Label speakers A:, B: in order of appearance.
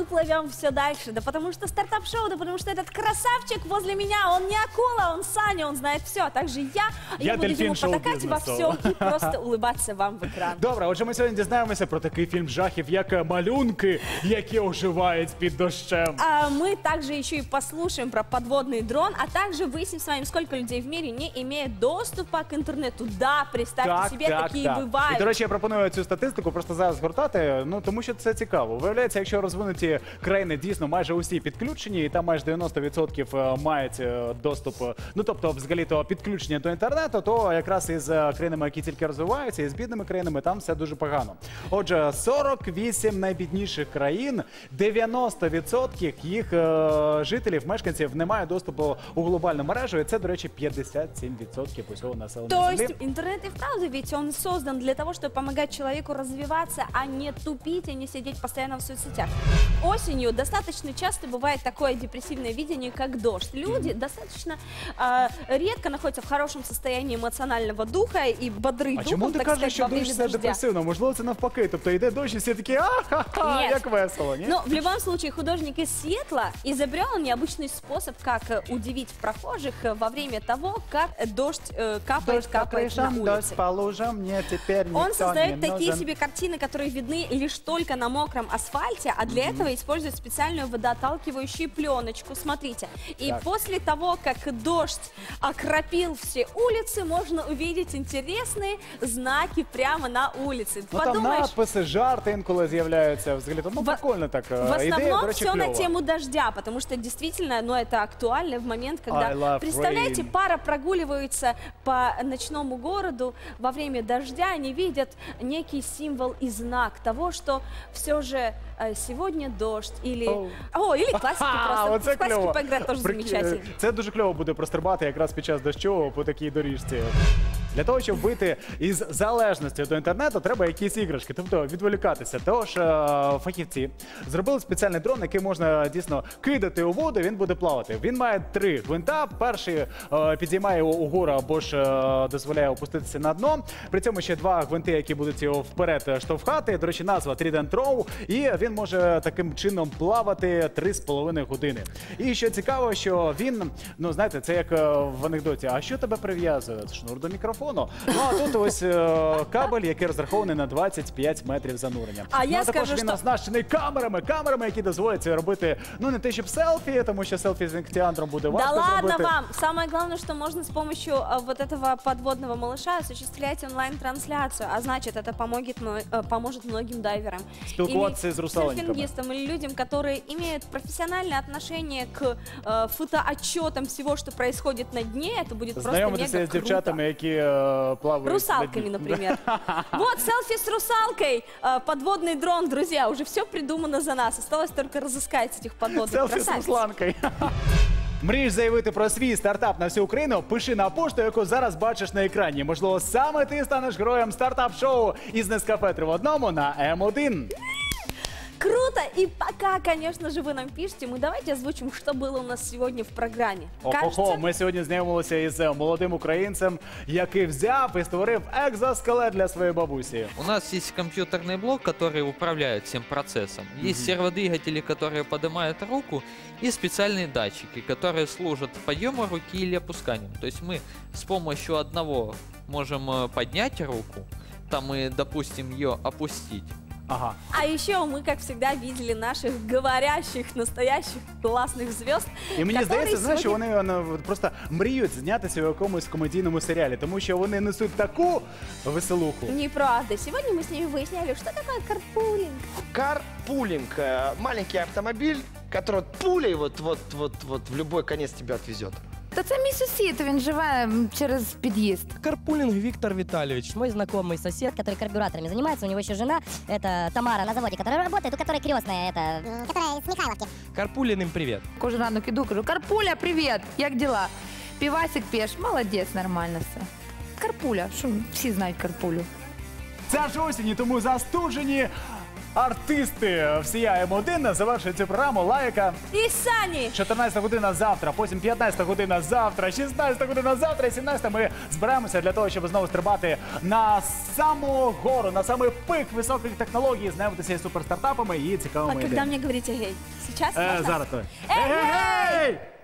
A: плывем все дальше? Да потому что стартап-шоу, да потому что этот красавчик возле меня, он не акула, он Саня, он знает все. А также я буду ему потакать во все и просто улыбаться вам в экран.
B: Добре, отже, ми сьогодні дізнаємося про такий фільм жахів, як «Малюнки», які оживають під дощем.
A: А мы также еще и послушаем про подводный дрон, а также выясним с вами, сколько людей в мире не имеет доступа к интернету. Да, представьте себе, такие бывают.
B: І, до речі, я пропоную цю статистику просто зараз згортати, ну, тому що це цікаво. Виявляється, якщо розвинуті країни дійсно майже усі підключені, і там майже 90% мають доступ, ну, тобто, взагалі-то підключення до інтернету, то якраз із країнами, які тільки розвиваються, і з бідними країнами, там все дуже погано. Отже, 48 найбідніших країн, 90% їх жителів, мешканців не мають доступу у глобальну мережу, і це, до речі, 57% усього населення
A: То
B: Землі.
A: есть интернет и вправду ведь он создан для того, чтобы помогать человеку развиваться, а не тупить и не сидеть постоянно в соцсетях. Осенью достаточно часто бывает такое депрессивное видение, как дождь. Люди достаточно редко находятся в хорошем состоянии эмоционального духа и бодры
B: А чому
A: духом,
B: ти
A: так
B: кажеш,
A: сказать,
B: що
A: во
B: дощ
A: время
B: це
A: дождя.
B: депресивно? Можливо, це навпаки. Тобто йде дощ і всі такі, а-ха-ха,
A: Нет.
B: як весело, ні?
A: Но в любом случае художник из Сиэтла изобрел необычный способ, как удивить прохожих во время того, как дождь капает на улице.
B: Дождь по лужам, мне теперь никто
A: Он
B: не
A: создает такие
B: нужен.
A: себе картины, которые видны лишь только на мокром асфальте, а для этого использует специальную водоотталкивающую пленочку. Смотрите. И
B: Так.
A: после того, как дождь окропил все улицы, можно увидеть интересные знаки прямо на улице.
B: Ну, там надписи, жарти інколи з'являються. Взагалі, ну, прикольно так.
A: В
B: Ідея, до
A: основном
B: речі,
A: все на
B: кльова.
A: тему дождя, потому что действительно, ну, это актуально в момент,
B: I
A: когда,
B: love
A: представляете,
B: rain.
A: пара прогуливается по ночному городу во время дождя, они видят некий символ и знак того, что все же сегодня дождь, или... или классики просто.
B: Оце
A: В классики
B: кльово.
A: поиграть тоже замечательно.
B: Це дуже кльово буде прострибати якраз під час дощу по такій доріжці. Для того, щоб вийти із залежності до інтернету, треба якісь іграшки, тобто відволікатися. Тож фахівці зробили спеціальний дрон, який можна дійсно кидати у воду, він буде плавати. Він має 3 гвинта. Перший підіймає його угору або ж дозволяє опуститися на дно. При цьому ще 2 гвинти, які будуть його вперед штовхати. До речі, назва Trident Row. І він може таким чином плавати 3,5 години. І що цікаво, що він, ну знаєте, це як в анекдоті, а що тебе прив'язує? Шнур до мікрофону. Ну а тут ось кабель, який розрахований на 25 метрів занурення.
A: А я
B: також
A: скажу,
B: він
A: що...
B: оснащений камерами, які дозволять це робити, ну не те, щоб селфі, тому що селфі з інктіандром буде важко
A: Да ладно
B: зробити.
A: вам! Самое главное, что можно с помощью вот этого подводного малыша осуществлять онлайн-трансляцию, а значит, это поможет многим дайверам.
B: Спілкуватися з русалоньками.
A: Серфингистам или людям, которые имеют профессиональное отношение к фотоотчетам всего, что происходит на дне, это будет просто мега
B: Знайомитися з
A: круто.
B: дівчатами, які плавають.
A: Русалками, например. Вот, селфи с русалкой, подводный дрон, друзья, уже все придумано за нас. Осталось только разыскать этих подводных
B: Селфі з
A: красавиц.
B: Русланкою. Мрієш заявити про свій стартап на всю Україну? Пиши на пошту, яку зараз бачиш на екрані. Можливо, саме ти станеш героєм стартап-шоу із Нескафе 3 в 1 на М1.
A: Круто! И пока, конечно же, вы нам пишете, мы давайте озвучим, что было у нас сегодня в программе.
B: Ого, ми сьогодні знайомилися із молодим українцем, який взяв і створив екзоскелет для своєї бабусі.
C: У нас есть компьютерный блок, который управляет всем процессом. Есть серводвигатели, которые поднимают руку, и специальные датчики, которые служат подъему руки или опусканием. То есть мы с помощью одного можем поднять руку, там и, допустим, ее опустить.
B: Ага.
A: А еще мы, как всегда, видели наших говорящих, настоящих классных звезд.
B: І мені
A: которые
B: здається, знаєш, що
A: сегодня-
B: вони просто мріють знятися в якомусь комедійному серіалі, тому що вони несуть таку веселуху.
A: Неправда. Сегодня мы с ними выясняли, что такое карпулинг.
D: Карпулинг. Маленький автомобиль, который пулей вот в любой конец тебя отвезет.
E: Та це мій сусід, він живе через під'їзд.
F: Карпулинг Виктор Витальевич.
G: Мой знакомый сосед, который карбюраторами занимается, у него еще жена, это Тамара на заводе, которая работает, у которой крестная, это... Которая с Михайловки.
F: Карпулин им привет.
E: Кожен ранок іду, кажу, Карпуля, привіт, як діла? Півасик п'єш, молодець, нормально все. Карпуля, що всі знають Карпулю.
B: Це ж осінь, і тому застужені артисти всія М1 завершують цю програму. Лайка.
A: И Сани.
B: 14 година завтра, потім 15 година завтра, 16 година завтра і 17 ми збираємося для того, щоб знову стрибати на саму гору, на самий пик високих технологій, знайомитися із суперстартапами і
A: А
B: цікавими
A: когда
B: ідеями.
A: мне говорите гей? Сейчас? Можно?
B: Зараз.
A: Эй,
B: Ей!